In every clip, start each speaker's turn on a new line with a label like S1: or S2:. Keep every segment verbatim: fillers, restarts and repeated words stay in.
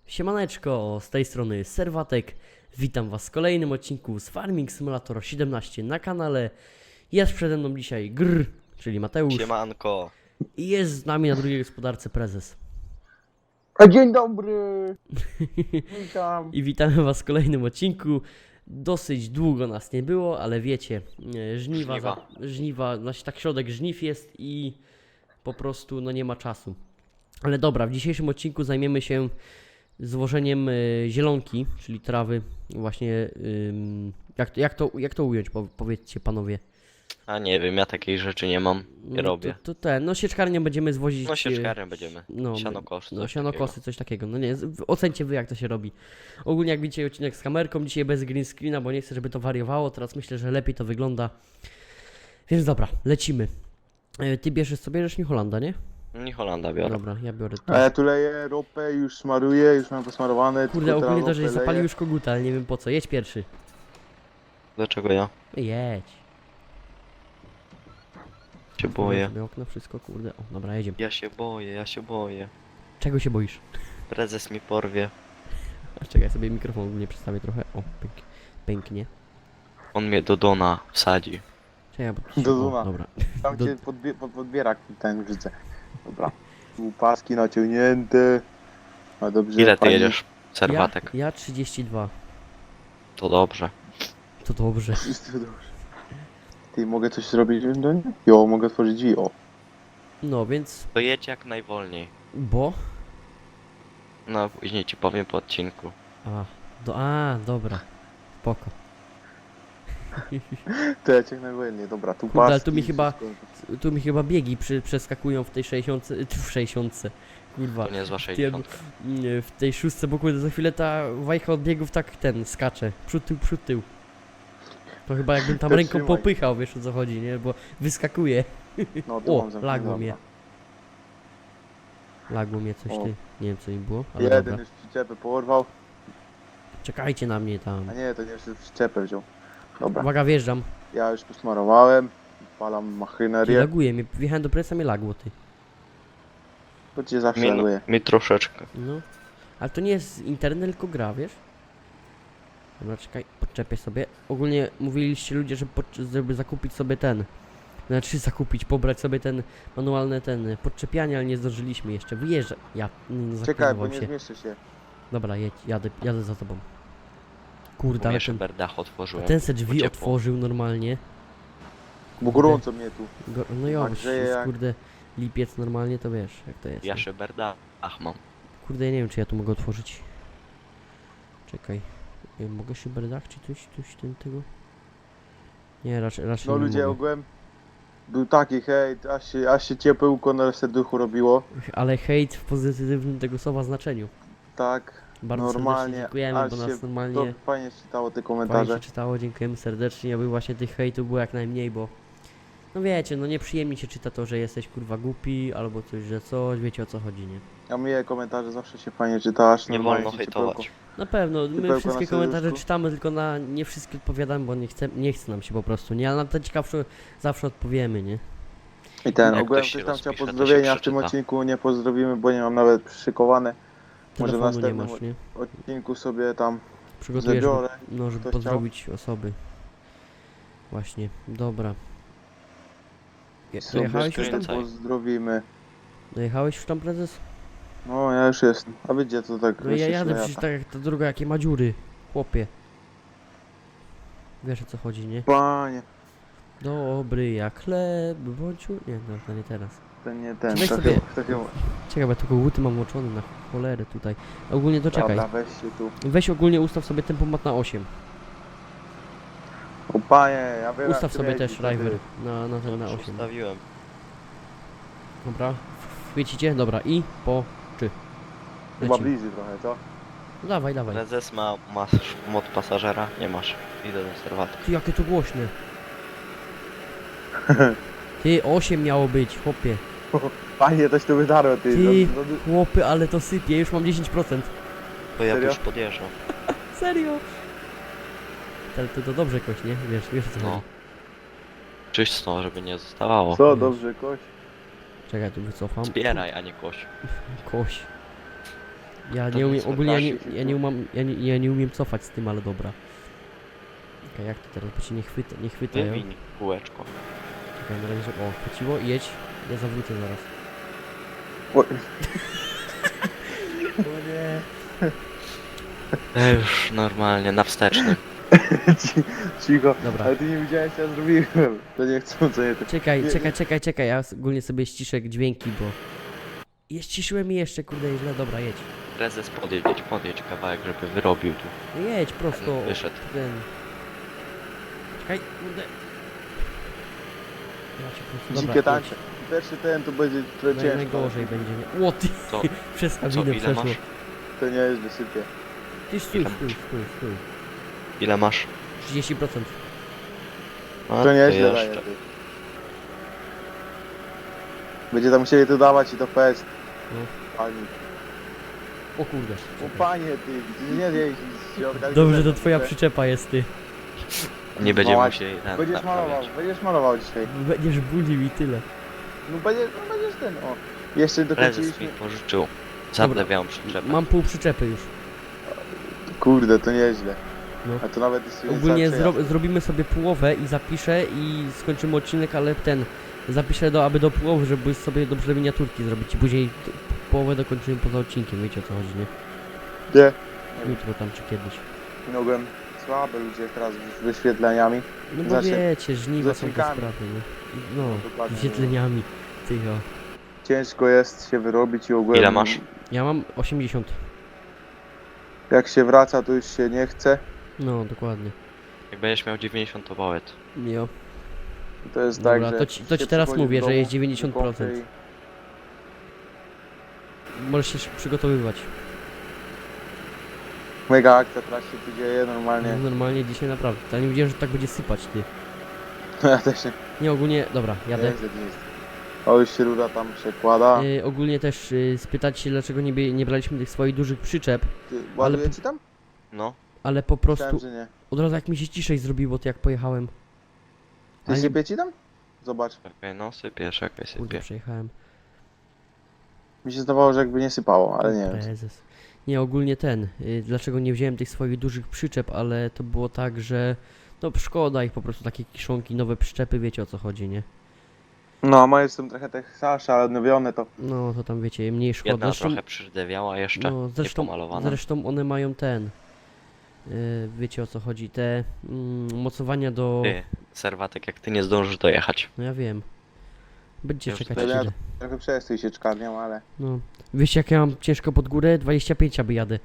S1: Siemaneczko, z tej strony Serwatek. Witam was w kolejnym odcinku z Farming Simulator siedemnaście na kanale. Jest przede mną dzisiaj Gr, czyli Mateusz.
S2: Siemanko.
S1: I jest z nami na drugiej gospodarce prezes.
S3: A dzień dobry! Witam.
S1: I witamy was w kolejnym odcinku. Dosyć długo nas nie było, ale wiecie, e, żniwa,
S2: Żniwa.
S1: Za, żniwa, znaczy tak środek żniw jest i po prostu no nie ma czasu. Ale dobra, w dzisiejszym odcinku zajmiemy się złożeniem e, zielonki, czyli trawy. Właśnie ym, jak, to, jak, to, jak to ująć, po, powiedzcie panowie.
S2: A nie wiem, ja takiej rzeczy nie mam, nie
S1: No
S2: robię.
S1: To, to ten, no sieczkarnię będziemy zwozić.
S2: No
S1: e,
S2: sieczkarem będziemy.
S1: No,
S2: Sianokosy,
S1: no
S2: coś
S1: sianokosy, coś takiego. No nie, z- ocencie wy jak to się robi. Ogólnie jak widzicie odcinek z kamerką, dzisiaj bez green screena, bo nie chcę, żeby to wariowało. Teraz myślę, że lepiej to wygląda. Więc dobra, lecimy. E, Ty bierzesz sobie bierzesz New Hollanda, nie?
S2: Nie Holanda biorę.
S1: Dobra, ja biorę to.
S3: A ja tu leję ropę, już smaruję, już mam posmarowane.
S1: Kurde,
S3: tylko
S1: ogólnie to,
S3: teraz
S1: że
S3: ropę
S1: zapalił
S3: leję.
S1: już koguta, ale nie wiem po co. Jedź pierwszy.
S2: Dlaczego ja
S1: Jedź.
S2: się boję?
S1: Sobie okno, wszystko, kurde. O, dobra, jedziemy.
S2: Ja się boję, ja się boję.
S1: Czego się boisz?
S2: Prezes mi porwie.
S1: A czekaj, ja sobie mikrofon ogólnie przedstawię trochę. O, pęk, pęknie.
S2: On mnie do Dona wsadzi.
S1: Czekaj, bo...
S3: Do
S1: o,
S3: Duna.
S1: Dobra.
S3: Tam
S1: do-
S3: cię podbie pod podbierak ten wrzucę. Dobra. Tu paski naciągnięte. A dobrze.
S2: Ile ty
S3: pani-
S2: jedziesz? Serwatek.
S1: Ja, ja trzydzieści dwa.
S2: To dobrze.
S1: To dobrze.
S3: Wszystko dobrze. Ty, mogę coś zrobić do niej? Jo, mogę otworzyć drzwi, o.
S1: No więc...
S2: To jedź jak najwolniej.
S1: Bo...
S2: No później ci powiem po odcinku.
S1: A, do, a, dobra. Spoko.
S3: To ja cię najwolniej, dobra, tu
S1: Kurde,
S3: paski.
S1: ale tu mi chyba-
S3: wszystko.
S1: Tu mi chyba biegi przy, przeskakują w tej sześćdziesiątce, y, w sześćdziesiątce. Kurwa.
S2: To nie zła
S1: Ty,
S2: sześćdziesiąt.
S1: nie, w tej szóstce, bo kurde, za chwilę ta wajcha od biegów tak ten skacze. Przód, tył, przód, tył. To chyba jakbym tam
S3: To
S1: ręką
S3: trzymaj.
S1: popychał, wiesz o co chodzi, nie? Bo wyskakuje.
S3: No, tu
S1: O,
S3: mam zamknięte,
S1: lagło
S3: dobra.
S1: mnie. Lagło mnie coś
S3: O.
S1: ty. Nie wiem co mi było, ale
S3: Jeden
S1: dobra.
S3: już przyczepę porwał.
S1: Czekajcie na mnie tam.
S3: A nie, to nie jeszcze przyczepę wziął. Dobra,
S1: Uwaga, wjeżdżam.
S3: ja już posmarowałem. Palam
S1: Ty,
S3: maszynerię.
S1: laguje mnie. Wjechałem do presa, mnie lagło, ty.
S3: To cię zawsze
S2: Mi,
S3: laguje.
S2: mi troszeczkę.
S1: No. Ale to nie jest internet, tylko gra, wiesz? Dobra, czekaj, podczepię sobie. Ogólnie mówiliście ludzie, żeby, pod- żeby zakupić sobie ten. Znaczy zakupić, pobrać sobie ten manualny ten podczepianie, ale nie zdążyliśmy jeszcze. Wyjeżdża. Ja nie
S3: Czekaj, bo
S1: zaklinowałem
S3: nie
S1: się.
S3: zmieszczę się.
S1: Dobra, jedź, jadę, jadę za tobą. Kurde, ale
S2: Jeszcze
S1: ten,
S2: berdach otworzyłem.
S1: ten se drzwi
S2: Pociepło.
S1: otworzył normalnie.
S3: Bo gorąco mnie tu.
S1: Go, no jo,
S3: Tak grzeje jak-
S1: kurde, lipiec normalnie, to wiesz, jak to jest.
S2: Ja
S1: nie?
S2: się berdach mam.
S1: Kurde, ja nie wiem, czy ja tu mogę otworzyć. Czekaj. Nie, mogę się berdach, czy coś, coś ten tego? Nie, raczej, raczej
S3: No
S1: nie
S3: ludzie,
S1: mogę.
S3: ogółem był taki hejt, aż się, aż się ciepełko na serduchu robiło.
S1: Ale hejt w pozytywnym tego słowa znaczeniu.
S3: Tak,
S1: Bardzo serdecznie
S3: normalnie,
S1: dziękujemy,
S3: aż
S1: bo
S3: się
S1: nas
S3: to
S1: normalnie
S3: fajnie czytało te
S1: fajnie
S3: komentarze.
S1: się czytało, dziękujemy serdecznie, aby właśnie tych hejtów było jak najmniej, bo no wiecie, no nieprzyjemnie się czyta to, że jesteś kurwa głupi, albo coś, że coś, wiecie o co chodzi, nie?
S3: A mnie komentarze zawsze się fajnie czyta, aż
S2: Nie
S3: normalnie
S2: wolno
S3: się ciepełko.
S2: hejtować.
S1: Na pewno, my
S3: Typełko
S1: wszystkie
S3: na
S1: komentarze
S3: serduszku.
S1: czytamy, tylko na nie wszystkie odpowiadamy, bo nie chce, nie chce nam się po prostu, nie? Ale na te ciekawsze zawsze odpowiemy, nie?
S3: I ten,
S2: Jak
S3: ogółem
S2: ktoś się
S3: ktoś tam chciał
S2: rozpisze, to się
S3: pozdrowienia w tym
S2: przeczyta.
S3: odcinku, nie pozdrowimy, bo nie mam nawet przyszykowane. Może w
S1: Telefonu nie
S3: następnym
S1: masz, nie?
S3: odcinku sobie tam
S1: Przygotujesz,
S3: zabiorę.
S1: no, żeby
S3: Ktoś
S1: pozdrowić osoby. Właśnie, dobra. Je-
S3: Sobie
S1: Dojechałeś już tam?
S2: skręcaj.
S3: pozdrowimy.
S1: Dojechałeś już tam, prezes?
S3: No ja już jestem. A wiecie to tak
S1: No ja
S3: jeszcze
S1: jadę
S3: lata.
S1: przecież tak jak ta druga, jakie ma dziury. Chłopie. Wiesz o co chodzi, nie?
S3: Panie,
S1: Dobry jak chleb, bądź... u- Nie, no to nie teraz.
S3: to nie ten,
S1: Weź
S3: to
S1: sobie-
S3: chyba, to chyba.
S1: Czekaj, bo ja tylko łuty mam włączone na cholerę tutaj. Ogólnie to czekaj.
S3: Dobra, weź się tu.
S1: Weź ogólnie ustaw sobie tempomat na osiem.
S3: O panie, ja wiem
S1: Ustaw
S3: jak
S1: sobie
S3: kręci,
S1: też
S3: to ty.
S1: driver na, na ten na
S2: Już
S1: osiem.
S2: ustawiłem.
S1: Dobra. Chwycicie? Dobra i po czy.
S3: Chyba
S1: Lecimy.
S3: bliżej trochę, co?
S1: No dawaj, dawaj.
S2: Prezes ma, masz mod pasażera? Nie masz. Idę do serwatu.
S1: Ty, jakie to głośne. Ty, osiem miało być, chłopie.
S3: Panie, coś tu wydarło, ty.
S1: Ty.
S3: No, no,
S1: Chłopy, ale to sypie, już mam dziesięć procent.
S2: To ja
S3: Serio?
S2: już podjeżdżam.
S1: Serio? Ale to, to dobrze koś, nie? Wiesz, wiesz o co
S2: No.
S1: chodzi.
S2: Czysto, żeby nie zostawało.
S3: co, dobrze, koś?
S1: Czekaj, tu wycofam.
S2: Zbieraj, a nie koś.
S1: Koś. Ja
S2: To
S1: nie umiem,
S2: nic,
S1: ogólnie ja nie,
S3: Łukaszek,
S1: ja nie umiem, ja nie, ja nie umiem cofać z tym, ale dobra. Okej, jak to teraz, bo się nie chwyta, nie chwytają.
S2: Wywiń kółeczko.
S1: Czekaj, na razie, żeby- o, chwyciło, jedź. Ja zawrócę zaraz.
S3: O,
S1: O nie.
S2: Ja już normalnie, na wstecznym.
S3: ci- cicho.
S1: Dobra.
S3: Ale ty nie widziałeś, co ja zrobiłem. To nie chcą, co nie to.
S1: Czekaj,
S3: Nie,
S1: czekaj, czekaj, czekaj, ja ogólnie sobie ściszę dźwięki, bo... Je ściszyłem i jeszcze, kurde, źle, dobra, jedź.
S2: Prezes podjedź, podjedź kawałek, żeby wyrobił tu.
S1: No jedź prosto.
S2: Wyszedł.
S1: Ten... Czekaj, kurde. Ja cię prosto, dobra,
S3: Dzikie
S1: jedź.
S3: tańce. Pierwszy ten to będzie trochę
S1: Naj,
S3: ciężko.
S1: najgorzej będzie, nie? O ty,
S2: Co?
S1: przez
S2: Co,
S1: kabinę
S2: ile
S1: przeszło.
S2: masz?
S3: To nie jest wysypie.
S1: Ty stój,
S2: Ile
S1: stój, stój, stój.
S2: Ile masz?
S1: trzydzieści procent.
S2: A,
S3: To nieźle
S2: jeszcze.
S3: daje. ty. Będzie tam musieli to dawać i to fest.
S1: No.
S3: Pani.
S1: O kurde.
S3: O
S1: czekaj.
S3: panie ty, ty nie zjeść z środka.
S1: Dobrze, to twoja
S3: Ty-
S1: przyczepa jest, ty.
S2: Nie będziemy
S3: Mała-
S2: musieli ten
S3: Będziesz
S2: naprawiać.
S3: malował, będziesz malował dzisiaj.
S1: Będziesz bulił i tyle.
S3: No będziesz, no będziesz ten, o. Jeszcze
S2: Prezes mi
S3: dokończyliśmy.
S2: pożyczył. Zadlewiałam przyczepę.
S1: Mam pół przyczepy już.
S3: Kurde, to nieźle.
S1: No.
S3: A to nawet jest
S1: Ogólnie
S3: cały
S1: zro zrobimy sobie połowę i zapiszę i skończymy odcinek, ale ten... Zapiszę do, aby do połowy, żeby sobie dobrze miniaturki zrobić i później t- połowę dokończymy poza odcinkiem, wiecie o co chodzi, nie?
S3: Nie.
S1: Jutro tam czy kiedyś.
S3: Mogłem słabe ludzie teraz z wyświetleniami.
S1: No bo
S3: Znaczy,
S1: wiecie, żniwa
S3: z
S1: są te
S3: odcinkami.
S1: sprawy, nie? No,
S3: Dokładnie.
S1: wyświetleniami. Ty o.
S3: Ciężko jest się wyrobić i ogólnie.
S2: Ile masz?
S1: Ja mam osiemdziesiąt.
S3: Jak się wraca, to już się nie chce.
S1: No, dokładnie.
S2: Jak będziesz miał dziewięćdziesiąt, to powiedz.
S1: Jo.
S3: To jest
S1: Dobra,
S3: tak, że
S1: to ci- to ci
S3: się
S1: teraz
S3: przychodzi
S1: mówię,
S3: do
S1: że
S3: domu,
S1: jest dziewięćdziesiąt procent.
S3: do pompy
S1: Możesz się sz- przygotowywać.
S3: i Mega akcja teraz się tu dzieje normalnie.
S1: No, normalnie dzisiaj naprawdę. Ja nie wiedziałem, że tak będzie sypać, ty.
S3: Ja też nie.
S1: Nie, ogólnie, dobra, jadę.
S3: Nieźle, nieźle. O, już się rura tam przekłada.
S1: Y, ogólnie też y, spytać się, dlaczego nie, bie- nie braliśmy tych swoich dużych przyczep,
S3: Ty, ładuje
S1: ale-
S3: ci tam?
S2: No.
S1: ale po
S3: Myślałem,
S1: prostu
S3: że nie.
S1: od razu jak mi się ciszej zrobiło, to jak pojechałem.
S3: Ty
S1: Ale-
S3: sypie ci tam? Zobacz.
S2: Czekaj, no sypie, czekaj,
S1: Kurde,
S2: sypie.
S1: przejechałem.
S3: Mi się zdawało, że jakby nie sypało, ale nie wiem.
S1: Prezes. Nie, ogólnie ten. Y, dlaczego nie wziąłem tych swoich dużych przyczep, ale to było tak, że no szkoda ich po prostu takie kiszonki, nowe przyczepy, wiecie o co chodzi, nie?
S3: No, moje są trochę Texasze, ale odnowione to.
S1: No to tam wiecie, mniej szkoda.
S2: Jedna
S1: Zresztą,
S2: trochę przydewiała jeszcze,
S1: no, zresztą,
S2: niepomalowana.
S1: zresztą one mają ten. Y, wiecie o co chodzi, te mm, mocowania do.
S2: Ty, serwatek, jak ty nie zdążysz dojechać.
S1: No ja wiem. Będziecie
S2: Już
S1: czekać
S2: tutaj
S1: chwilę.
S3: Trochę przestój się czkarnią, ale.
S1: No. Wiecie jak ja mam ciężko pod górę? dwadzieścia pięć aby jadę.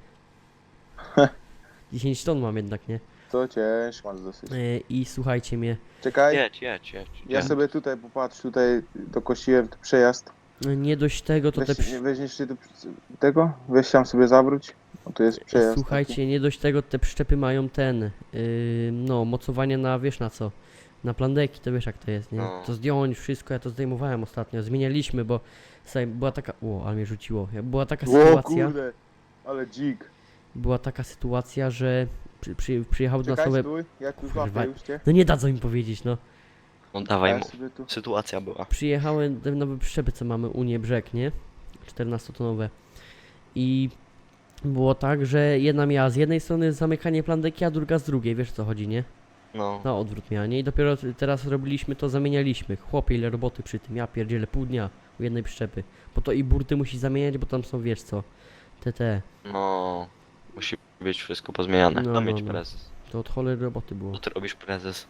S1: dziesięć ton mam jednak, nie?
S3: To ciężko masz dosyć.
S1: Y, I słuchajcie mnie.
S3: Czekaj,
S2: Jedź, jedź, jedź.
S3: ja
S2: jedź.
S3: sobie tutaj popatrz, tutaj dokosiłem tu przejazd.
S1: y, Nie dość tego, to te.
S3: Weź,
S1: przy-
S3: nie weźmiesz ty tu tego? Weź tam sobie zawróć. O, tu jest przejazd.
S1: Słuchajcie, nie dość tego, te przyczepy mają ten, yy, no, mocowanie na, wiesz na co, na plandeki, to wiesz jak to jest, nie?
S2: No.
S1: To zdjąć wszystko, ja to zdejmowałem ostatnio, zmienialiśmy, bo słuchaj, była taka, o, ale mnie rzuciło, była taka
S3: Taki. O
S1: sytuacja,
S3: kurde, ale dzik.
S1: była taka sytuacja, że przy, przy, przyjechały do nas
S3: Czekaj,
S1: nowe,
S3: stój, ja tu
S1: Kurwa.
S3: złapię już cię.
S1: no nie dadzą im powiedzieć, no,
S2: No
S3: A
S2: dawaj
S3: ja
S2: mu.
S3: sobie tu...
S2: Sytuacja była.
S1: przyjechały te nowe przyczepy, co mamy, Unię Brzeg, nie? czternastotonowe i było tak, że jedna miała z jednej strony zamykanie plandeki, a druga z drugiej, wiesz o co chodzi, nie?
S2: No.
S1: Na odwrót miała, nie? I dopiero t- teraz robiliśmy to, zamienialiśmy. Chłopie, ile roboty przy tym, ja pierdzielę pół dnia u jednej przyczepy. Bo to i burty musi zamieniać, bo tam są, wiesz co, te te,
S2: No. Musi być wszystko pozmieniane.
S1: No,
S2: No,
S1: no,
S2: mieć
S1: no.
S2: prezes.
S1: to od cholery roboty było.
S2: Co ty robisz prezes?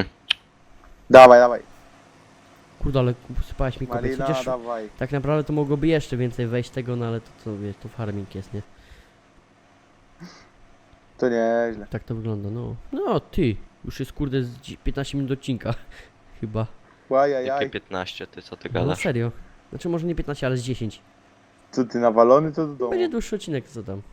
S3: Dawaj, dawaj.
S1: Kurde, ale sypałeś mi kopie,
S3: Malina,
S1: chociaż
S3: dawaj.
S1: tak naprawdę to mogłoby jeszcze więcej wejść tego, no ale to co, wiesz, to farming jest, nie?
S3: To nieźle.
S1: Tak to wygląda, no. No, ty, już jest kurde z dzi- piętnaście minut odcinka, chyba.
S2: Jakie
S3: Łajajaj.
S2: piętnaście, ty co ty
S1: No
S2: gadasz?
S1: serio. Znaczy może nie piętnaście, ale z dziesięć.
S3: Co ty nawalony to do domu?
S1: Będzie dłuższy odcinek, co tam.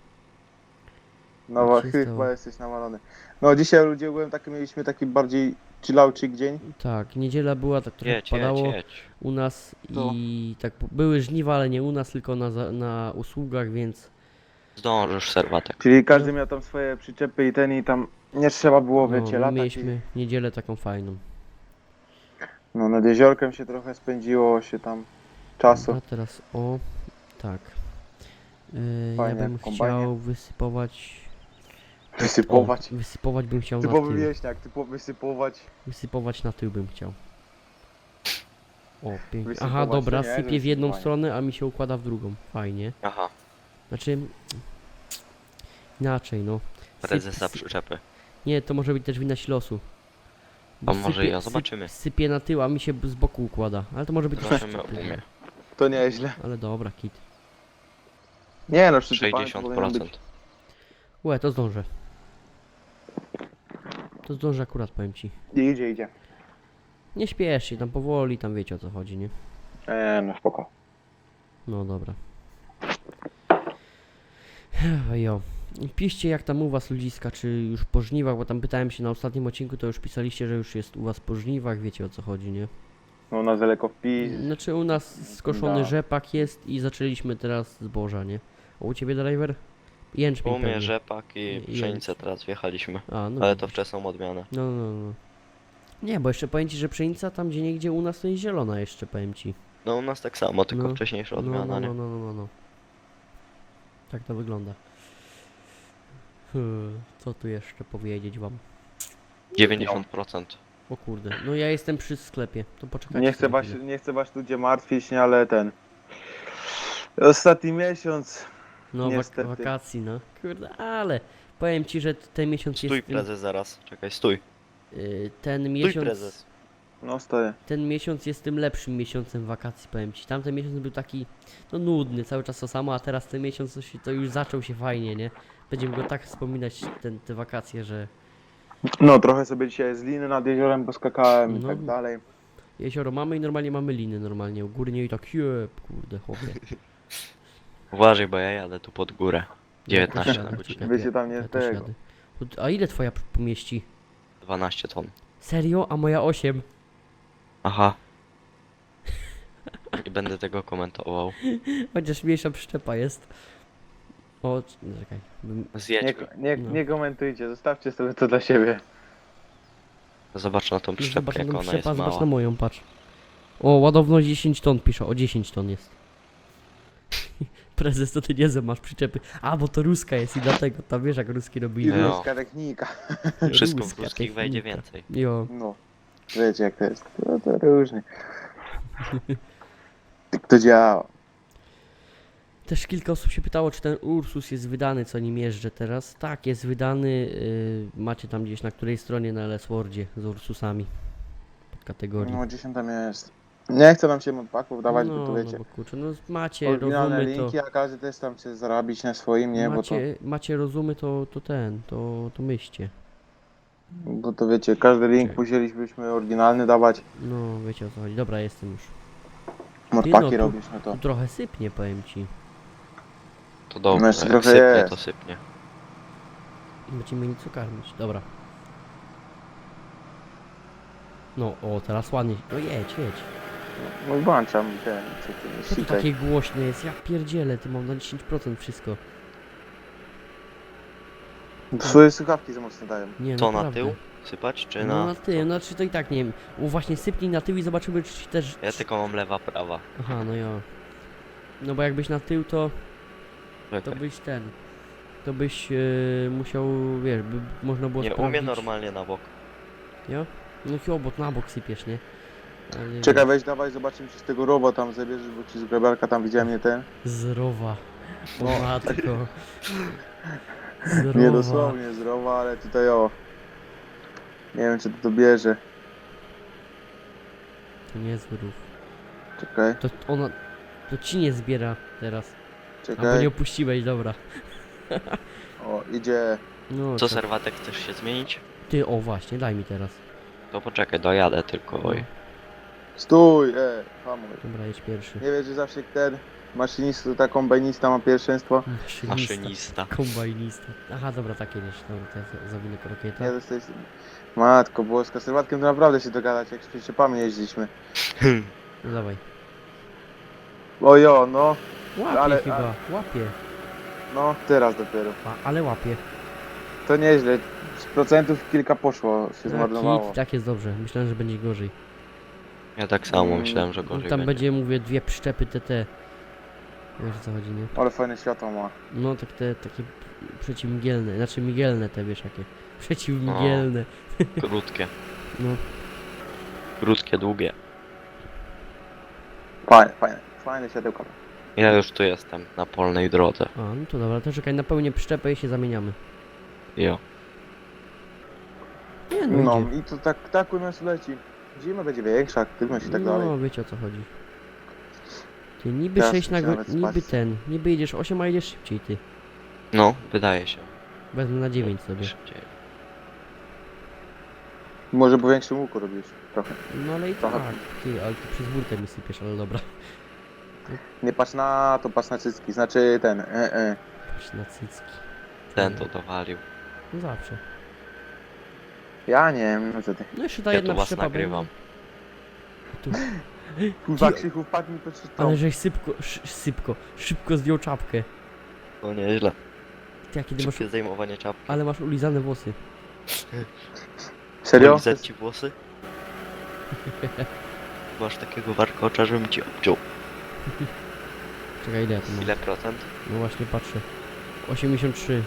S3: No
S1: Tak się
S3: chyba
S1: stało.
S3: jesteś nawalony. No dzisiaj ludzie byłem taki, mieliśmy taki bardziej chillauczyk dzień.
S1: Tak, niedziela była, tak trochę
S2: Jedź,
S1: padało.
S2: jedź, jedź.
S1: U nas
S3: No.
S1: i tak po- były żniwa, ale nie u nas, tylko na, za- na usługach, więc
S2: Zdążysz serwatek.
S3: Czyli każdy miał tam swoje przyczepy i ten i tam nie trzeba było,
S1: no,
S3: wiecie,
S1: my
S3: latać.
S1: mieliśmy niedzielę taką fajną.
S3: I, no nad jeziorkiem się trochę spędziło się tam czasu.
S1: A teraz o, tak. Yy, ja
S3: Fajnie,
S1: bym
S3: w kombajnie.
S1: chciał wysypować...
S3: Wysypować.
S1: O, wysypować bym chciał na
S3: Typowy
S1: tył.
S3: wieśniak, typowo wysypować.
S1: Wysypować na tył bym chciał. O, pięknie.
S3: Wysypować
S1: Aha,
S3: to
S1: dobra,
S3: nie, że
S1: sypie w jedną
S3: wysypowanie.
S1: stronę, a mi się układa w drugą. Fajnie.
S2: Aha,
S1: Znaczy... Inaczej, no. Syp-
S2: prezesa
S1: sy-
S2: przyczepy.
S1: Nie, to może być też wina losu.
S2: A może ja, zobaczymy.
S1: Sypie na tył, a mi się b- z boku układa. Ale to może być
S2: Zobaczymy
S1: też-
S2: umie.
S3: To nieźle.
S1: Ale dobra, kit.
S3: Nie no, przysypane to
S2: sześćdziesiąt
S3: powinno być.
S2: procent.
S1: Łe, to zdążę. To zdążę akurat, powiem ci.
S3: Idzie, idzie.
S1: Nie śpiesz się, tam powoli, tam wiecie o co chodzi, nie?
S3: Eee, no spoko.
S1: No dobra. Jo. Piszcie jak tam u was ludziska, czy już po żniwach, bo tam pytałem się na ostatnim odcinku, to już pisaliście, że już jest u was po żniwach, wiecie o co chodzi, nie?
S3: No na daleko wpis.
S1: Znaczy u nas skoszony
S3: Da.
S1: rzepak jest i zaczęliśmy teraz zboża, nie? A u ciebie driver? Jęczmień
S2: U mnie
S1: pewnie.
S2: rzepak i
S1: I-
S2: pszenicę teraz wjechaliśmy.
S1: A, no
S2: Ale to
S1: widzisz.
S2: wczesną odmianę.
S1: No, no, no. Nie, bo jeszcze powiem ci, że pszenica tam gdzie niegdzie u nas to jest zielona jeszcze, powiem ci.
S2: No u nas tak samo, tylko
S1: No,
S2: wcześniejsza
S1: No,
S2: odmiana,
S1: no,
S2: nie?
S1: no, no, no, no, no. Tak to wygląda. Hmm, co tu jeszcze powiedzieć wam?
S2: dziewięćdziesiąt procent.
S1: O kurde, no ja jestem przy sklepie, to poczekajcie.
S3: Nie chcę
S1: sobie
S3: was,
S1: chwilę.
S3: nie chcę was ludzie martwić, nie, ale ten. Ostatni miesiąc.
S1: No wak
S3: niestety.
S1: wakacji, no. Kurde, ale powiem ci, że ten miesiąc
S2: Stój
S1: jest...
S2: prezes zaraz, czekaj, stój.
S1: y, ten
S2: Stój
S1: miesiąc...
S2: prezes.
S3: No stoję.
S1: Ten miesiąc jest tym lepszym miesiącem wakacji, powiem ci. Tamten miesiąc był taki, no nudny, cały czas to samo, a teraz ten miesiąc to, się, to już zaczął się fajnie, nie? Będziemy go tak wspominać, ten, te wakacje, że
S3: No trochę sobie dzisiaj z liny nad jeziorem poskakałem i
S1: No.
S3: tak dalej.
S1: jezioro mamy i normalnie mamy liny, normalnie, górnie i tak, jeb, kurde, chłopie.
S2: Uważaj, bo ja jadę tu pod górę. dziewiętnaście na
S1: Czekaj,
S2: godzinę.
S1: czekaj,
S3: Wy się tam nie
S1: ja też
S3: tego.
S1: jadę. A ile twoja p- pomieści?
S2: dwanaście ton.
S1: Serio? A moja osiem?
S2: Aha. Nie będę tego komentował.
S1: Chociaż mniejsza przyczepa jest. O, c- czekaj. bym-
S2: Zjedź
S3: Nie,
S2: go.
S3: nie,
S1: No.
S3: nie komentujcie, zostawcie sobie to dla siebie.
S2: Zobacz na tą
S1: Zobacz
S2: przyczepkę,
S1: na
S2: jak
S1: tą
S2: ona jest
S1: przyczepę, zobacz na
S2: mała.
S1: moją, patrz. O, ładowność dziesięć ton pisze, o dziesięć ton jest. Prezes, to ty nie masz przyczepy. A, bo to ruska jest i dlatego, tam wiesz jak ruski
S3: I
S1: robili.
S2: No.
S3: ruska technika.
S2: Wszystko w
S1: Ruska
S2: ruskich wejdzie
S1: technika.
S2: więcej.
S1: Jo.
S3: No. Wiecie jak to jest. No to różnie. Tak to działa.
S1: Też kilka osób się pytało, czy ten Ursus jest wydany, co nim jeżdżę teraz. Tak, jest wydany. Yy, macie tam gdzieś na której stronie na Elseworldzie z Ursusami. Pod kategorią.
S3: No dziesiąta jest. Nie chcę nam się modpaków dawać,
S1: no,
S3: bo to wiecie.
S1: no bo kurczę, no macie
S3: Oryginalne
S1: rozumy to.
S3: linki, a każdy też tam chce zarobić na swoim, nie? Bo to,
S1: Macie, macie rozumy to, to ten, to, to myślcie.
S3: bo to wiecie, każdy link
S1: Czekaj.
S3: musielibyśmy oryginalny dawać.
S1: No, wiecie o co chodzi. Dobra, jestem już.
S3: Modpaki
S1: no, tu-
S3: robisz, no to.
S1: Tu trochę sypnie, powiem ci.
S2: To dobrze,
S3: No jeszcze
S2: jak
S3: trochę
S2: sypnie,
S3: jest.
S2: to sypnie.
S1: Będziemy nic karmić. Dobra. No, o, teraz ładnie. No jedź, jedź.
S3: No włączam ten, co ty
S1: Co tu
S3: sikaj.
S1: takie głośne jest? Ja pierdzielę, ty mam na dziesięć procent wszystko.
S3: Swoje słuchawki za mocno dają.
S1: Nie,
S2: To na
S1: naprawdę.
S2: tył sypać, czy
S1: No
S2: na...
S1: na tył, znaczy to i tak nie wiem. U, właśnie sypnij na tył i zobaczymy, czy ci też...
S2: Ja tylko mam lewa, prawa.
S1: Aha, no ja. No bo jakbyś na tył, to, to
S2: Czekaj.
S1: byś ten... To byś e, musiał, wiesz, by można było
S2: Nie, u
S1: sprawdzić.
S2: mnie normalnie na bok.
S1: Jo? No chyba, bo na bok sypiesz, nie? Ale
S3: Czekaj, weź dawaj, zobaczymy czy z tego roba tam zabierzesz, bo ci z grabarka tam widziałem nie ten.
S1: Z rowa. O
S3: No.
S1: matko. Z rowa.
S3: Nie dosłownie z rowa, ale tutaj o. Nie wiem czy to dobierze.
S1: To niezły rów.
S3: Czekaj,
S1: To ona... To ci nie zbiera teraz. Albo nie
S3: czekaj.
S1: opuściłeś, dobra.
S3: O, idzie.
S1: No
S2: Co,
S1: to-
S2: serwatek, chcesz się zmienić?
S1: Ty, o właśnie, daj mi teraz.
S2: To poczekaj, dojadę tylko,
S1: No.
S2: oj.
S3: Stój, e, hamuj.
S1: Dobra, jedź pierwszy.
S3: Nie wiesz, że zawsze ten maszynista, ta kombajnista ma pierwszeństwo.
S1: Maszynista.
S2: Maszynista.
S1: Kombajnista. Aha, dobra, tak jedziesz. Dobra, to ja za- zawinę krokieta.
S3: Nie dostajesz. Matko boska, z serwatkiem to naprawdę się dogadać, jak z przyczepami jeździliśmy.
S1: No dawaj.
S3: Ojo, no,
S1: Łapie
S3: Ale-
S1: chyba,
S3: ale-
S1: łapie.
S3: no, teraz dopiero.
S1: A, ale łapie.
S3: To nieźle. Z procentów kilka poszło, się
S1: Tak,
S3: zmarnowało.
S1: hit, tak jest dobrze. Myślałem, że będzie gorzej.
S2: Ja tak samo
S3: Mm,
S2: myślałem, że
S1: No,
S2: gorzej
S1: tam
S2: będzie.
S1: będzie, mówię, dwie przyczepy T T. Wiesz o co chodzi, nie?
S3: Ale fajne światło ma.
S1: No tak te takie przeciwmigielne, znaczy migielne te wiesz jakie. Przeciwmigielne.
S2: Krótkie.
S1: No.
S2: Krótkie, długie.
S3: Fajne, fajne. Fajne światełka.
S2: Ja już tu jestem, na polnej drodze.
S1: A, no to dobra, to czekaj, napełnię przyczepę i się zamieniamy.
S2: Jo.
S1: Nie no,
S3: No
S1: idzie.
S3: i to tak, tak u nas leci. Zima będzie większa, aktywność i tak
S1: No,
S3: dalej.
S1: wiecie o co chodzi. Ty niby
S3: Teraz
S1: sześć na
S3: się
S1: go...
S3: nawet
S1: niby
S3: spać.
S1: ten, niby jedziesz osiem, a jedziesz szybciej ty.
S2: No, wydaje się.
S1: Wezmę na dziewięć sobie.
S2: Szybciej.
S3: Może po większym łuku robisz trochę.
S1: No ale i tak,
S3: Trochę.
S1: ty, ale ty przez burtę mi sypiesz, ale dobra.
S3: Nie patrz na to, patrz na cycki. Znaczy ten, e, e.
S1: Patrz na cycki.
S2: Ten to dowalił.
S1: No zawsze.
S3: Ja nie wiem, no co ty.
S1: No jeszcze ta
S2: Ja
S1: jedna
S2: tu was
S1: przyczepa
S2: nagrywam.
S1: będzie. Tu.
S3: Kurwa, Krzychu, wpadł mi pod szybko.
S1: Ale żeś sypko, sz, sypko, szybko zdjął czapkę.
S2: No nieźle.
S1: Ty jakie ty masz...
S2: Szybkie zdejmowanie czapki.
S1: Ale masz ulizane włosy.
S3: Serio?
S2: Polizać ci włosy? Masz takiego warkocza, żebym ci obciął.
S1: Czekaj, ile ja tu mam?
S2: Ile procent?
S1: No właśnie patrzę. osiemdziesiąt trzy.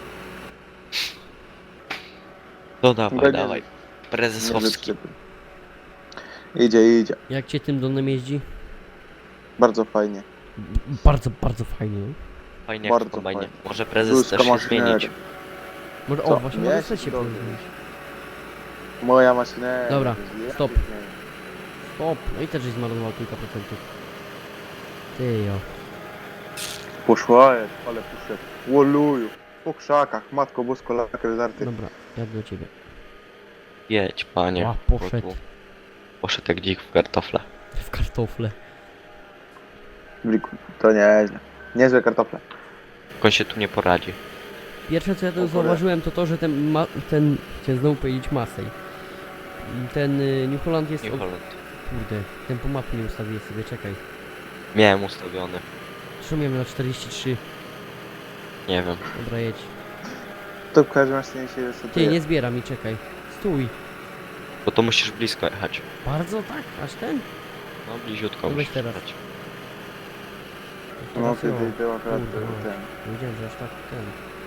S2: No dawaj,
S3: Będzie-
S2: dawaj.
S3: Nie
S2: Prezesowski.
S3: wyprzedzę. Idzie, idzie.
S1: Jak cię tym domem jeździ?
S3: Bardzo fajnie.
S1: B bardzo, bardzo fajnie. no.
S2: Fajnie jak w
S3: Bardzo
S2: kombajnie.
S3: fajnie.
S2: Może prezes
S3: Ruska
S2: też się
S3: maszyneria.
S2: zmienić.
S1: Może,
S3: Co?
S1: o właśnie,
S3: Nie,
S1: może chcesz się
S3: dobrze.
S1: zmienić.
S3: Moja maszyna.
S1: Dobra,
S3: Ja
S1: stop.
S3: się
S1: Stop, no i też żeś zmarnował kilka procentów. Ty jo.
S3: Poszła jest, ale poszedł. Łoluju. Po krzakach, matko bosko, lakier zarty.
S1: Dobra, jadę do ciebie.
S2: Jedź, panie.
S1: A,
S2: bo
S1: poszedł.
S2: tu Poszedł jak dzik w kartofle.
S1: W kartofle.
S3: Bliku, to nieźle. Niezłe kartofle.
S2: Jak on się tu nie poradzi.
S1: Pierwsze co ja
S3: O
S1: tu
S3: kurde.
S1: zauważyłem to to, że ten ma ten, chciałem znowu powiedzieć Masej. Ten y, New Holland jest...
S2: New
S1: o-
S2: Holland.
S1: Kurde, tempo mapy nie ustawię sobie, czekaj.
S2: Miałem ustawiony.
S1: Zresztą miałem na czterdzieści trzy.
S2: Nie wiem.
S1: Dobra, jedź.
S3: To w każdym razie się
S1: Ty,
S3: resetuje.
S1: nie zbiera mi, czekaj. Stój.
S2: Bo to musisz blisko jechać.
S1: Bardzo tak? Aż ten?
S2: No bliziutko
S1: No weź
S2: musisz
S1: teraz.
S2: jechać.
S3: No
S1: Teraz
S3: ty,
S1: jo.
S3: ty, ty akurat
S1: Kurde, no.
S3: ten.
S1: Nie wiedziałem, że aż tak ten.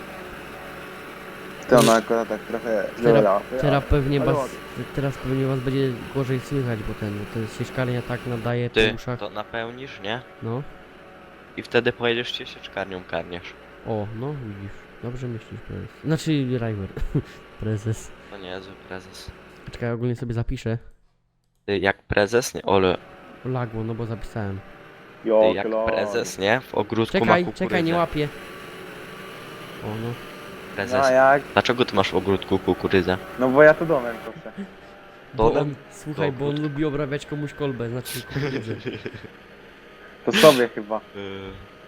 S3: To ona akurat tak trochę
S1: Teraz,
S3: zlała.
S1: teraz pewnie
S3: ale
S1: was,
S3: ładnie.
S1: teraz pewnie was będzie gorzej słychać, bo ten, bo ten sieczkarnia tak nadaje po
S2: Ty
S1: uszach.
S2: to napełnisz, nie?
S1: No.
S2: I wtedy pojedziesz się sieczkarnią karniesz.
S1: O, no widzisz. Dobrze myślisz, prezes. Znaczy, River. Prezes.
S2: To niezły prezes.
S1: Czekaj, ja ogólnie sobie zapiszę.
S2: Ty jak prezes, nie? Ole,
S1: Lagło, no bo zapisałem.
S2: ty
S3: Jo,
S2: jak
S3: kilo.
S2: prezes, nie? W ogródku ma
S1: Czekaj,
S2: kukurydzę.
S1: czekaj, nie łapię. O, no.
S2: Prezes.
S3: No jak?
S2: Dlaczego ty masz w ogródku kukurydzę?
S3: No bo ja to domem proszę.
S1: Bo
S2: Dodam?
S1: on, słuchaj, bo on
S2: Ogród.
S1: lubi obrabiać komuś kolbę, znaczy kukurydzę.
S3: To sobie chyba.
S2: Yy,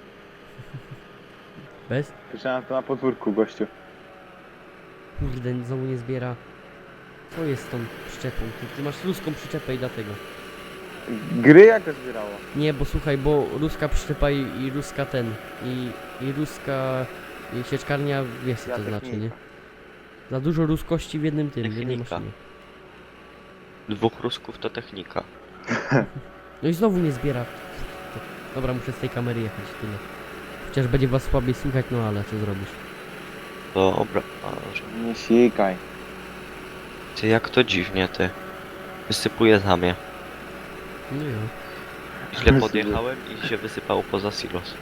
S1: Bez?
S3: Słyszałem to na podwórku, gościu.
S1: Kurde, znowu nie zbiera. Co jest z tą przyczepą? Ty, ty masz ruską przyczepę i dlatego.
S3: Gry jak to zbierało?
S1: Nie, bo słuchaj, bo ruska przyczepa i, i ruska ten. I, i ruska i sieczkarnia, wiesz co
S3: Ja
S1: to
S3: technika.
S1: znaczy, nie? Za dużo ruskości w jednym tym, w jednej
S2: Technika.
S1: maszynie.
S2: dwóch rusków to technika.
S1: No i znowu nie zbiera. To, dobra, muszę z tej kamery jechać, tyle. Chociaż będzie was słabiej słychać, no ale co zrobisz?
S2: Dobra, może.
S3: Nie sikaj.
S2: Ty jak to dziwnie, ty. Wysypuje za mnie.
S1: No jo.
S2: Źle podjechałem i się wysypało poza silos.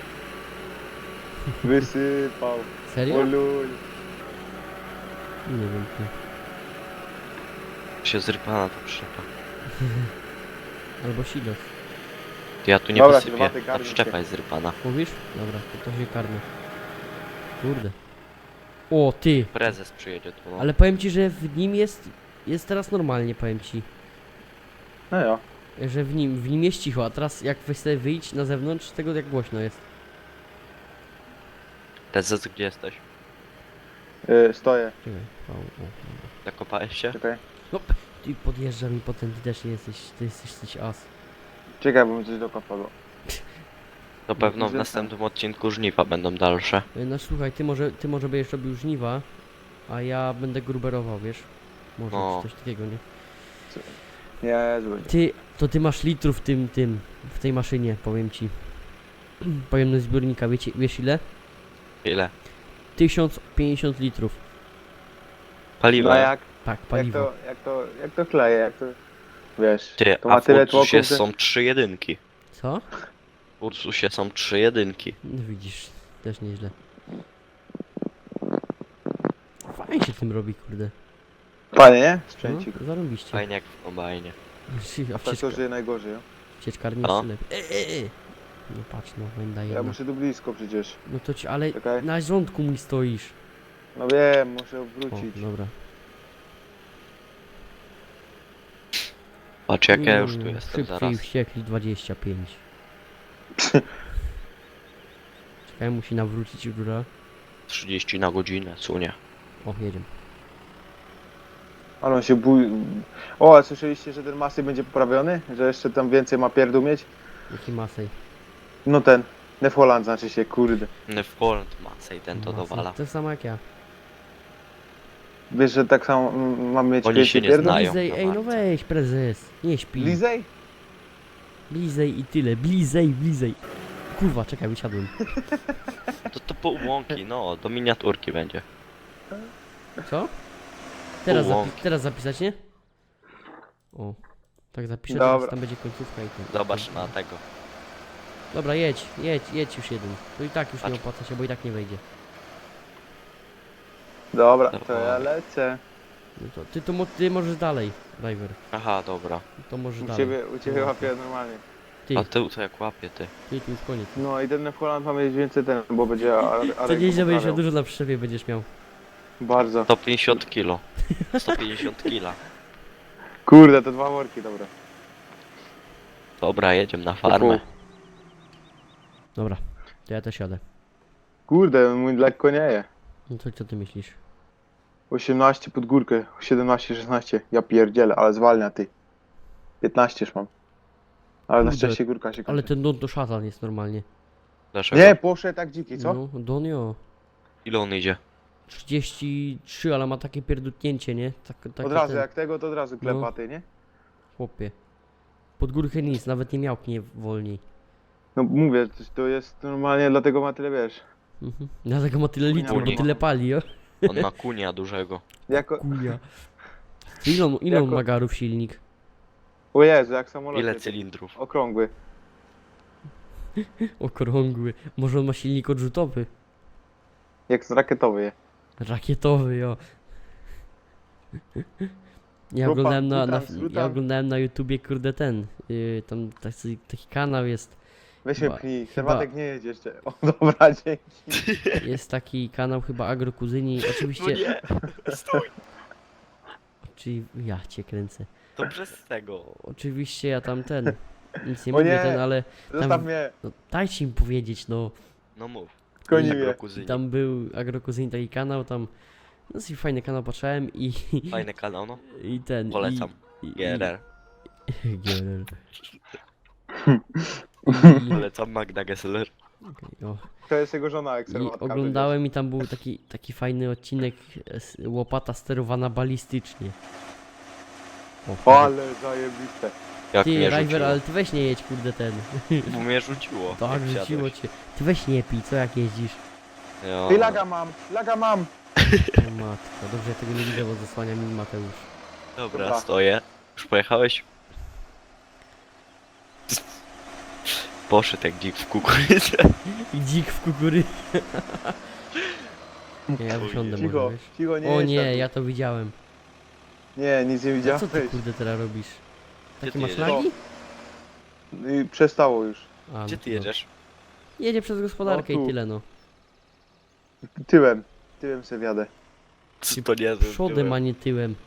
S3: Wysypał.
S1: Serio?
S3: Oluj.
S1: Nie wiem, ty.
S2: Się zrypana ta przyczepa.
S1: Albo silos.
S2: Ty ja tu nie
S3: Dobra,
S2: wysypię.
S3: herbaty,
S2: Ta
S3: garnij
S2: przyczepa
S3: się.
S2: jest zrypana.
S1: Mówisz? Dobra, to, to się karmy. Kurde. O, ty!
S2: Prezes przyjedzie tu, no.
S1: Ale powiem ci, że w nim jest... Jest teraz normalnie, powiem ci.
S3: No jo.
S1: Że w nim, w nim jest cicho, a teraz jak weź sobie wyjść na zewnątrz, tego jak głośno jest.
S2: Prezes, gdzie jesteś?
S3: Yy, stoję.
S1: Czekaj. O, o, o.
S2: Zakopałeś się?
S3: Czekaj.
S1: Ty podjeżdża mi potem, ty też nie jesteś, ty jesteś coś as.
S3: Czekaj, bo mi coś do padło.
S2: To pewno w
S3: Że
S2: następnym odcinku żniwa będą dalsze.
S1: Y, No słuchaj, ty może, ty może będziesz robił żniwa, a ja będę gruberował, wiesz? Może
S2: No.
S1: czy coś takiego, nie?
S3: Nie, zły.
S1: Ty, to ty masz litrów w tym, tym, w tej maszynie, powiem ci. Pojemność zbiornika, wiecie, wiesz ile?
S2: Ile?
S1: tysiąc pięćdziesiąt litrów.
S2: Paliwa.
S3: No jak,
S1: Tak,
S3: jak
S1: paliwo.
S3: to, jak to, jak to kleje, jak to... Wiesz,
S2: Ty,
S3: to
S2: a
S3: ma
S2: w
S3: tyle
S2: Ursusie
S3: tłoków, że...
S2: są trzy jedynki.
S1: Co?
S2: W Ursusie są trzy jedynki.
S1: No widzisz, też nieźle. Fajnie się tym robi, kurde.
S3: Fajnie, nie?
S1: No,
S3: Sprzęcik.
S1: zarobiście.
S2: Fajnie jak w kombajnie.
S1: A
S3: Tak to
S1: wcieczka,
S3: żyje najgorzej, no.
S1: wcieczkarni
S2: No.
S1: jeszcze lepiej. E, e, e. No patrz, no, węda
S3: Ja
S1: jedna.
S3: muszę tu blisko przecież.
S1: No to ci, ale
S3: Czekaj.
S1: na rządku mi stoisz.
S3: No wiem, muszę
S1: O,
S3: obrócić.
S1: dobra.
S2: Patrz jak ja już tu
S1: Mm,
S2: jestem
S1: Szybciej
S2: zaraz.
S1: wściekli dwadzieścia pięć. Czekaj, musi nawrócić góra.
S2: trzydzieści na godzinę, sunie.
S1: O, jedziemy.
S3: Ale on się bój... O, a słyszeliście, że ten masy będzie poprawiony? Że jeszcze tam więcej ma pierdół mieć?
S1: Jaki masej?
S3: No ten. Nefoland znaczy się, kurde.
S2: No w Poland Masej ten to
S1: Masej.
S2: dowala.
S1: To samo jak ja.
S3: Wiesz, że tak samo mm, mamy mieć
S2: Oni
S3: więcej
S2: się nie
S3: pierdół?
S2: znają.
S1: Blizej,
S2: na
S1: ej no
S2: walce.
S1: weź prezes. Nie śpi.
S3: Blizej?
S1: Blizej i tyle. Blizej, blizej. Kurwa, czekaj, wysiadłem.
S2: To to po łąki, no, do miniaturki będzie.
S1: Co? Teraz,
S2: Połąki.
S1: zapi teraz zapisać, nie? O. Tak zapiszę,
S3: Dobra.
S1: teraz tam będzie końcówka i ten.
S2: Zobacz na tego.
S1: Dobra, jedź, jedź, jedź już jeden. To i tak już nie
S2: Patrz.
S1: opłaca się, bo i tak nie wejdzie.
S3: Dobra, to
S2: Dobra.
S3: ja lecę.
S1: No to ty to mo ty możesz dalej, driver.
S2: Aha, dobra.
S1: To możesz
S3: U
S1: dalej.
S3: ciebie, u ciebie
S1: No.
S3: łapię normalnie.
S1: Ty,
S2: A ty to jak łapie ty.
S1: ty tu już koniec.
S3: No i ten Nefoland ma mieć więcej ten, bo będzie Arek
S1: To nieźle będziesz miał
S3: poprawiał.
S1: dużo na przyczepie będziesz miał.
S3: Bardzo.
S2: sto pięćdziesiąt kilo. sto pięćdziesiąt kila.
S3: Kurde, to dwa worki, dobra.
S2: Dobra, jedziemy na farmę.
S1: Dobra, to ja też jadę.
S3: Kurde, mój lekko nie je.
S1: No to co ty myślisz?
S3: osiemnaście pod górkę, siedemnaście, szesnaście. Ja pierdzielę, ale zwalnia ty. piętnaście już mam. Ale na
S1: Kurde,
S3: szczęście górka się kończy.
S1: Ale ten don to szatan jest normalnie.
S2: Dlaczego?
S3: Nie, poszedł tak dziki, co?
S1: No, donio.
S2: Ile on idzie?
S1: trzydzieści trzy, ale ma takie pierdutnięcie, nie? Tak, takie
S3: od razu,
S1: ten,
S3: jak tego, to od razu
S1: No.
S3: klepaty, nie?
S1: Chłopie. Pod górkę nic, nawet nie miałknie wolniej.
S3: No mówię, to- to jest normalnie, dlatego ma tyle, wiesz.
S1: Mhm. Dlatego ma tyle litrów, bo
S2: Kuni.
S1: tyle pali, o?
S2: On ma kunia dużego.
S3: Jako...
S1: Kuja. Ile on, ile on
S3: Jako-
S1: ma garów silnik?
S3: O Jezu, jak samolot.
S2: Ile cylindrów?
S3: Okrągły.
S1: Okrągły. Może on ma silnik odrzutowy?
S3: Jak z rakietowy je.
S1: Rakietowy, jo. Ja
S3: Grupa,
S1: oglądałem na, na,
S3: rutam, rutam.
S1: ja oglądałem na YouTubie, kurde, ten, yy, tam taki, taki kanał jest,
S3: Weź mnie
S1: Chyba-
S3: pchnij,
S1: chyba-
S3: Serwatek nie jedzie jeszcze. O dobra, dzięki.
S1: jest taki kanał chyba Agrokuzyni,
S2: No
S1: oczywiście,
S2: nie, stój!
S1: czyli ja cię kręcę,
S2: To przez tego.
S1: oczywiście ja tam ten, nic nie
S3: O
S1: mówię
S3: nie.
S1: ten, ale
S3: Zostaw mnie,
S1: no, dajcie mi powiedzieć, no,
S2: No mów.
S3: koni
S1: I-
S3: mnie.
S2: Agrokuzyni.
S1: tam był Agrokuzyni taki kanał, tam, no dosyć fajny kanał patrzałem i,
S2: Fajny kanał, no.
S1: i ten,
S2: Polecam.
S1: i, i,
S2: G R R.
S1: i, G R R. I,
S2: Polecam Magda Gessler.
S1: okej, o.
S3: To jest jego żona, jak
S1: I
S3: serwatka.
S1: oglądałem i tam był taki, taki fajny odcinek e, s- łopata sterowana balistycznie. O,
S3: O, ale zajebiste.
S2: Jak
S1: ty,
S2: mnie
S1: River,
S2: rzuciło.
S1: ale ty weź nie jedź, kurde, ten.
S2: Bo mnie rzuciło.
S1: Tak,
S2: jak
S1: rzuciło
S2: wsiadłeś.
S1: cię. Ty weź nie pij, co jak jeździsz?
S2: Jo.
S3: Ty laga mam, laga mam.
S1: O matko, dobrze, ja tego nie widzę, bo zasłania mi Mateusz.
S2: Dobra,
S3: Dobra.
S2: stoję. Już pojechałeś? Poszedł jak dzik w kukurydzę.
S1: I dzik w kukurydzy. Nie, ja wysiądę
S3: Cicho,
S1: może, wiesz?
S3: cicho, nie
S1: O
S3: jedź
S1: nie,
S3: tam.
S1: ja to widziałem.
S3: Nie, nic nie
S1: A
S3: widziałeś.
S1: co ty kurde teraz robisz?
S2: Gdzie
S1: Takie
S2: ty
S1: masz
S2: jedziesz?
S1: lagi?
S3: I przestało już.
S1: A, no
S2: Gdzie
S1: to
S2: ty
S1: dobrze.
S2: jedziesz?
S1: Jedzie przez gospodarkę
S3: O, tu.
S1: i tyle no.
S3: Tyłem. Tyłem se wjadę.
S2: Co to nie
S1: Przodem, a nie tyłem.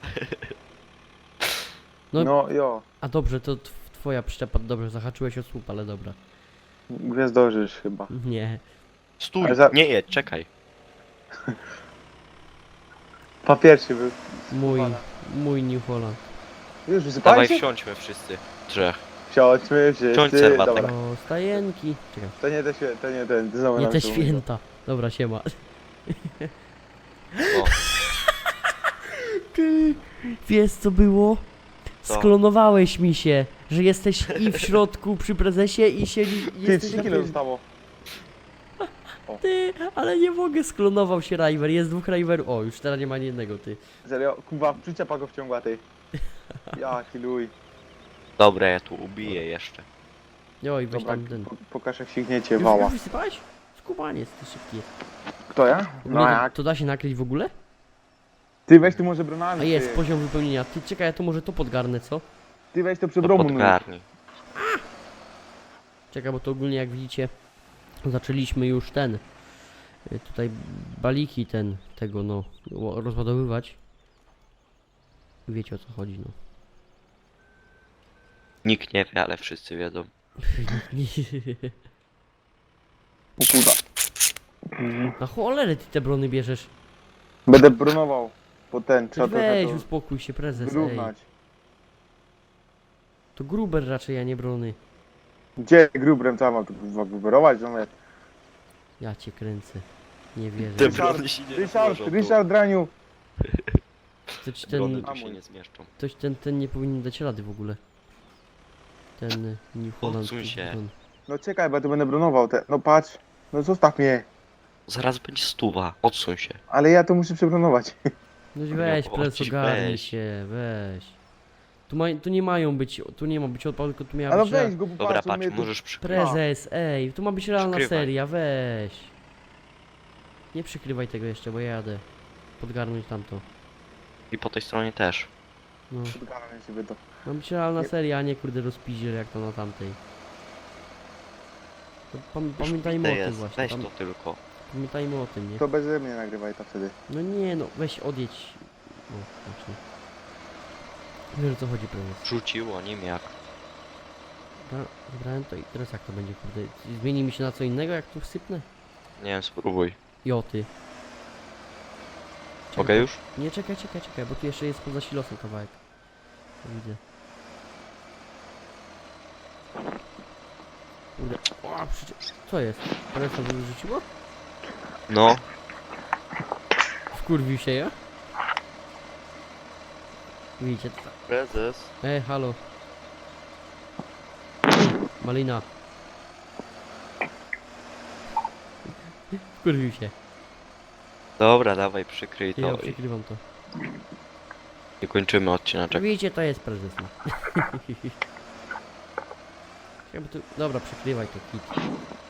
S1: No-
S3: No, jo.
S1: A dobrze, to tw- twoja przyczepa, dobrze, zahaczyłeś o słup, ale dobra.
S3: Gwiazdorzysz chyba.
S1: Nie.
S2: Stój,
S3: Ale za-
S2: nie jedź, czekaj.
S3: Papierczy był.
S1: Mój,
S3: Pana.
S1: mój New Holland.
S3: Już
S2: Dawaj
S3: wysypajcie?
S2: wsiądźmy wszyscy. Trzech.
S3: Wsiądźmy wszyscy.
S2: Wsiądź, serwatek.
S3: Dobra.
S1: O, stajenki. Czekaj,
S3: To nie te święta, to nie ten. Znowu
S1: nie
S3: nam
S1: te
S3: się
S1: święta. Dobra, siema.
S2: O,
S1: Ty, wiesz co było?
S2: Co?
S1: Sklonowałeś mi się. że jesteś i w środku przy prezesie i siedzi...
S3: Ty,
S1: jesteś
S3: trzy
S1: na
S3: kilo
S1: tym.
S3: zostało.
S1: Ty, ale nie mogę, sklonował się River, jest dwóch Riverów. O, już teraz nie ma ani jednego, ty.
S3: Serio, kurwa, przyczepa go wciągła, ty. Jaki luj.
S2: Dobra, ja tu ubiję jeszcze.
S1: Oj, weź
S3: Dobra,
S1: tam ten.
S3: po- pokaż jak signiecie
S1: Już,
S3: wała.
S1: już wysypałeś? Skubaniec, ty szybki jest.
S3: Kto ja?
S1: W
S3: No
S1: ogóle to,
S3: jak?
S1: to da się nakryć w ogóle?
S3: Ty weź tu może bronami,
S1: A jest,
S3: ty.
S1: poziom wypełnienia. Ty, czekaj, ja to może to podgarnę, co?
S3: Ty weź to przed
S2: To
S3: Romu.
S2: podgarnij.
S1: Czekaj, bo to ogólnie jak widzicie, zaczęliśmy już ten, y, tutaj baliki ten, tego no, ło- rozładowywać. Wiecie o co chodzi, no.
S2: Nikt nie wie, ale wszyscy wiedzą.
S3: O kurwa.
S1: Na cholerę ty te brony bierzesz.
S3: Będę bronował. Po ten,
S1: Ty
S3: trzeba
S1: weź,
S3: trochę
S1: uspokój się,
S3: to
S1: prezes, ej.
S3: wyrównać.
S1: To gruber raczej, a nie brony.
S3: Gdzie grubrem trzeba mam tu kurwa gruberować? No,
S1: Ja cię kręcę. Nie wierzę.
S2: Te
S3: Ryszard,
S2: brony się nie
S3: Ryszard,
S2: zmieszczą tu.
S3: Ryszard Draniu.
S1: Ktoś
S2: Brony
S1: ten,
S2: tu się nie zmieszczą.
S1: ktoś ten, ten nie powinien dać rady w ogóle. Ten y, New Holland.
S2: Odsuń się.
S1: Bron.
S3: No czekaj, bo ja tu będę bronował te. No patrz. No zostaw mnie.
S2: Zaraz będzie stuwa. Odsuń się.
S3: Ale ja to muszę przebronować.
S1: No weź,
S2: No,
S1: prezes,
S2: chodź,
S1: ogarnij
S2: weź.
S1: się, weź. Tu, ma, tu nie mają być, tu nie ma być odpał, tylko tu miała
S3: Ale
S1: być
S3: weź
S1: rea-
S3: go, bo
S2: Dobra,
S3: patrz, on
S2: patrz,
S3: mnie tu...
S2: możesz przykryć.
S1: Prezes, ej, tu ma być realna
S2: Przykrywaj.
S1: seria, weź. Nie przykrywaj tego jeszcze, bo ja jadę. Podgarnąć tamto.
S2: I po tej stronie też.
S1: No.
S3: Podgarnę sobie to.
S1: Ma być realna
S3: Nie-
S1: seria, a nie kurde rozpiździel jak to na tamtej. To pam
S2: Już
S1: pamiętajmy o
S2: widzę
S1: tym
S2: jest.
S1: właśnie,
S2: Weź
S1: tam,
S2: to tylko.
S1: pamiętajmy o tym, nie?
S3: To beze mnie nagrywaj to wtedy.
S1: No nie no, weź odjedź. No, znaczy. Wiesz o co chodzi, prezes.
S2: Rzuciło nim jak.
S1: Dobra, wybrałem to i teraz jak to będzie, kurde? Zmieni mi się na co innego, jak tu wsypnę?
S2: Nie wiem, spróbuj.
S1: Joty.
S2: Mogę już?
S1: Nie, czekaj, czekaj, czekaj, bo tu jeszcze jest poza silosem kawałek. To widzę. Kurde. O, przyczy... Co jest? Teraz to wyrzuciło?
S2: No.
S1: Wkurwił się ja? Widzicie to?
S2: Prezes.
S1: Ej, halo. Malina. Wkurwił się.
S2: Dobra, dawaj, przykryj
S1: Ja
S2: to i,
S1: przykrywam to.
S2: i kończymy odcineczek.
S1: Widzicie, to jest prezes. No. Jakby tu... Dobra, przykrywaj to, kit.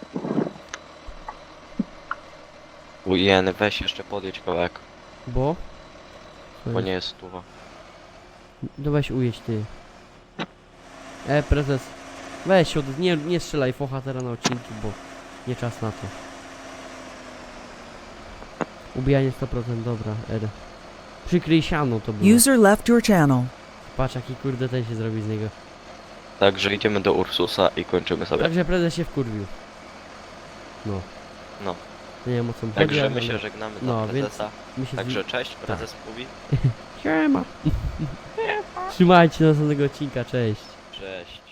S2: Ujeny, weź jeszcze podjedź kawałek,
S1: Bo? Co
S2: bo
S1: jest?
S2: nie jest stuwa.
S1: No weź ujedź ty. E, prezes. Weź od... nie, nie strzelaj focha teraz na odcinki, bo nie czas na to. Ubijanie sto procent, dobra, R. Przykryj siano to było.
S4: User left your channel.
S1: Patrz jaki kurde ten się zrobi z niego.
S2: Także idziemy do Ursusa i kończymy sobie.
S1: Także prezes się wkurwił. No.
S2: No.
S1: Nie wiem o co mi chodzi,
S2: Także
S1: ale-
S2: my się żegnamy do
S1: No, więc
S2: prezesa.
S1: my się
S2: Także cześć, prezes mówi.
S1: z... Siema. Trzymajcie do następnego odcinka, cześć.
S2: Cześć.